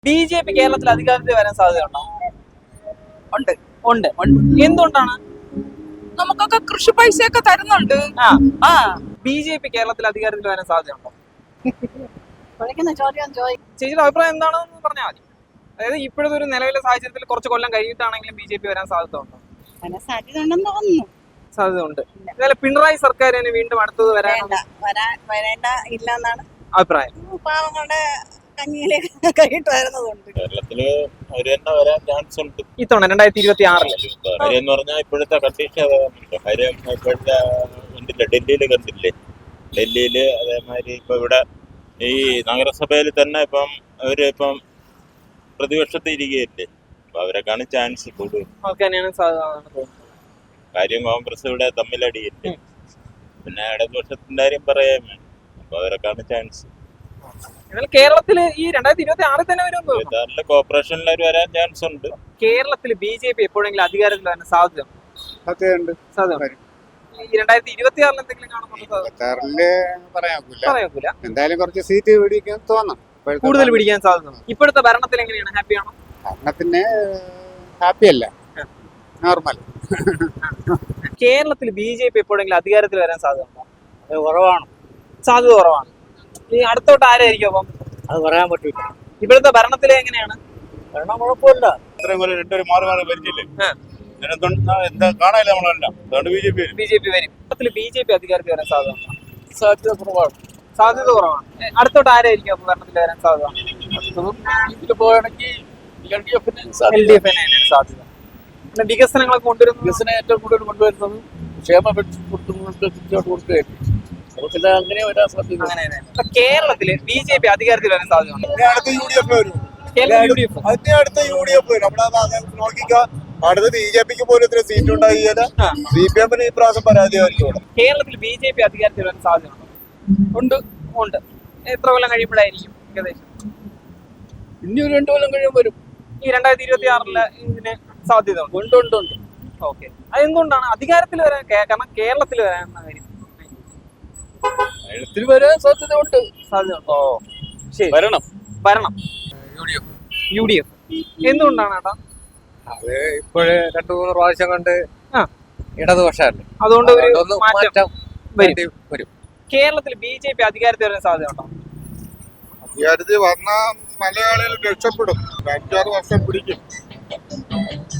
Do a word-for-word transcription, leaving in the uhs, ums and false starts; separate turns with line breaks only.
B J P കേരളത്തിൽ അധികാരത്തിൽ വരാൻ സാധ്യതയുണ്ടോ?
ഉണ്ട്
ഉണ്ട്. എന്തുകൊണ്ടാണ്?
നമുക്കൊക്കെ കൃഷി പൈസയൊക്കെ തരുന്നുണ്ട്.
ആ
ആ
ബി ജെ പി കേരളത്തിൽ അധികാരത്തിൽ വരാൻ സാധ്യതയുണ്ടോ?
ചോദ്യം ചോദിക്കും.
ചേച്ചിയുടെ അഭിപ്രായം എന്താണെന്ന് പറഞ്ഞാൽ മതി. അതായത് ഇപ്പോഴത്തെ ഒരു നിലവിലെ സാഹചര്യത്തിൽ കുറച്ച് കൊല്ലം കഴിഞ്ഞിട്ടാണെങ്കിലും ബി ജെ പി വരാൻ സാധ്യത ഉണ്ടോ?
സാധ്യത ഉണ്ടെന്ന് തോന്നുന്നു.
സാധ്യത ഉണ്ട്. എന്നാലും പിണറായി സർക്കാരിന് വീണ്ടും അടുത്തത് വരാൻ
വേണ്ട വരാൻ വരേണ്ട ഇല്ലെന്നാണ്
അഭിപ്രായം.
പാവങ്ങളുടെ കഞ്ഞിയിലേക്ക് കൈയിട്ട് വരുന്നതുണ്ട്.
കേരളത്തില് അവര് തന്നെ വരാൻ ചാൻസ് ഉണ്ട്
ഇത്തവണ രണ്ടായിരത്തി ഇരുപത്തി ആറില്.
കാര്യം എന്ന് പറഞ്ഞാൽ ഇപ്പോഴത്തെ കണ്ടീഷൻ കാര്യം ഇപ്പോഴത്തെ കണ്ടില്ലേ, ഡൽഹിയിൽ കണ്ടില്ലേ, ഡൽഹിയില് അതേമാതിരി ഇപ്പൊ ഇവിടെ ഈ നഗരസഭയിൽ തന്നെ ഇപ്പം അവര് ഇപ്പം പ്രതിപക്ഷത്ത് ഇരിക്കുകയല്ലേ, അപ്പൊ അവരൊക്കെയാണ് ചാൻസ് കൂടുതൽ.
അവർക്ക് തന്നെയാണ് സാധ്യത എന്നാണ് തോന്നുന്നത്.
കാര്യം കോൺഗ്രസ് ഇവിടെ തമ്മിലടിയില്ലേ, പിന്നെ ഇടതുപക്ഷത്തിന്റെ കാര്യം പറയാൻ വേണം, അപ്പൊ അവരൊക്കെയാണ് ചാൻസ്.
എന്നാൽ കേരളത്തില് ഈ രണ്ടായിരത്തി ഇരുപത്തി ആറിൽ തന്നെ വരും.
ഇരുപത്തിയാറില് കോർപ്പറേഷനിൽ അവർ വരാൻ ചാൻസ് ഉണ്ട്.
കേരളത്തിൽ ബി ജെ പി എപ്പോഴെങ്കിലും അധികാരത്തിൽ വരാൻ സാധ്യത
സാധ്യതയുണ്ട്.
സാധ്യത ഈ രണ്ടായിരത്തി ഇരുപത്തി ആറിൽ എന്തെങ്കിലും കാണുന്നുണ്ടോ?
ഇരുപത്താറില് പറയാക്കൂല.
പറയാക്കൂല.
എന്തായാലും കുറച്ച് സീറ്റ് പിടിക്കാൻ തോന്നാം. ഇപ്പോഴത്തെ
കൂടുതൽ പിടിക്കാൻ സാധ്യത. ഇപ്പോഴത്തെ ഭരണത്തിൽ എങ്ങനെയാണ്? ഹാപ്പിയാണോ?
ഭരണത്തിന് ഹാപ്പി അല്ല, നോർമൽ.
കേരളത്തിൽ ബി ജെ പി എപ്പോഴെങ്കിലും അധികാരത്തിൽ വരാൻ സാധ്യത ഉണ്ടോ?
അത് കുറവാണ്.
സാധ്യത കുറവാണ്. ഈ അടുത്തോട്ട് ആരായിരിക്കും അപ്പം?
അത് പറയാൻ പറ്റില്ല.
ഇപ്പോഴത്തെ ഭരണത്തിൽ എങ്ങനെയാണ്?
ഭരണം കുഴപ്പമില്ല.
ഇത്രയും പോലെ രണ്ടൊരു മാറി മാറി ഭരിച്ചില്ലേ,
ആ.
എന്താ കാണാനില്ല നമ്മളെല്ലാം. അതുകൊണ്ട് B J P
B J P വരും. കേരളത്തിൽ ബി ജെ പി അധികാരത്തിൽ വരാൻ സാധ്യത ഉണ്ടോ?
സാധ്യത കുറവാണ്.
സാധ്യത കുറവാണ്. ഏ, അടുത്തോട്ട് ആരായിരിക്കും അപ്പം ഭരണത്തിൽ വരാൻ സാധ്യത?
ഇതിൽ പോവുകയാണെങ്കിൽ എൽ ഡി എഫിന്
എൽ ഡി എഫിന് തന്നെയാണ് സാധ്യത. പിന്നെ വികസനങ്ങളൊക്കെ കൊണ്ടുവരുന്നത്
വികസനം ഏറ്റവും കൂടുതൽ കൊണ്ടുവരുന്നത് ക്ഷേമ പെൻഷൻ കൊടുത്തുകൊണ്ട് കൊടുക്കുകയായിരുന്നു. നമുക്കില്ല അങ്ങനെ വരാൻ സാധ്യത.
അങ്ങനെ തന്നെ. അപ്പൊ കേരളത്തില് ബി ജെ പി അധികാരത്തിൽ വരാൻ സാധ്യതയുണ്ട്.
അടുത്ത യു ഡി എഫ് വരും.
കേരളത്തിൽ യു ഡി എഫ്.
അതിന്റെ അടുത്ത യു ഡി എഫ് വരും. നമ്മളത് നോക്കിക്ക. അടുത്ത ബി ജെ പിക്ക് പോലും ഇത്ര സീറ്റ് ഉണ്ടാകില്ല.
ആ.
സി പി എമ്മിന് ഈ പ്രാവശ്യം പരാജയമായിരിക്കും ഇവിടെ.
കേരളത്തിൽ ബി ജെ പി അധികാരത്തിൽ വരാൻ സാധ്യതയുണ്ടോ? ഉണ്ട്. ഉണ്ട്. എത്ര കൊല്ലം കഴിയുമ്പോഴായിരിക്കും ഏകദേശം?
ഇനി ഒരു രണ്ടു കൊല്ലം കഴിയുമ്പോൾ വരും.
ഈ രണ്ടായിരത്തി ഇരുപത്തി ആറില് ഇതിന് സാധ്യത ഉണ്ട്.
ഉണ്ട് ഉണ്ട് ഉണ്ട്.
ഓക്കെ. അതെന്തുകൊണ്ടാണ് അധികാരത്തിൽ വരാൻ? കേ- കാരണം കേരളത്തിൽ വരാൻ കാര്യം
കേരളത്തിൽ വരാൻ സാധ്യത ഉണ്ട്.
സാധ്യത ഉണ്ടോ? ശരി.
വരണം.
വരണം.
U D F.
U D F. എന്തുകൊണ്ടാണ് ഏട്ടാ?
അത് ഇപ്പോഴ് രണ്ടു മൂന്ന് പ്രാവശ്യം കൊണ്ട്
ആ.
ഇടതുപക്ഷമല്ലേ,
അതുകൊണ്ട് ഒരു
അതുകൊണ്ടൊന്ന്
മാറ്റം
മാറ്റം
വരും.
വേണ്ടി വരും.
കേരളത്തിൽ ബി ജെ പി അധികാരത്തിൽ വരാൻ സാധ്യത ഉണ്ടോ?
അധികാരത്തിൽ വന്നാൽ മലയാളികൾ രക്ഷപ്പെടും. അഞ്ചാറ് വർഷം പിടിക്കും.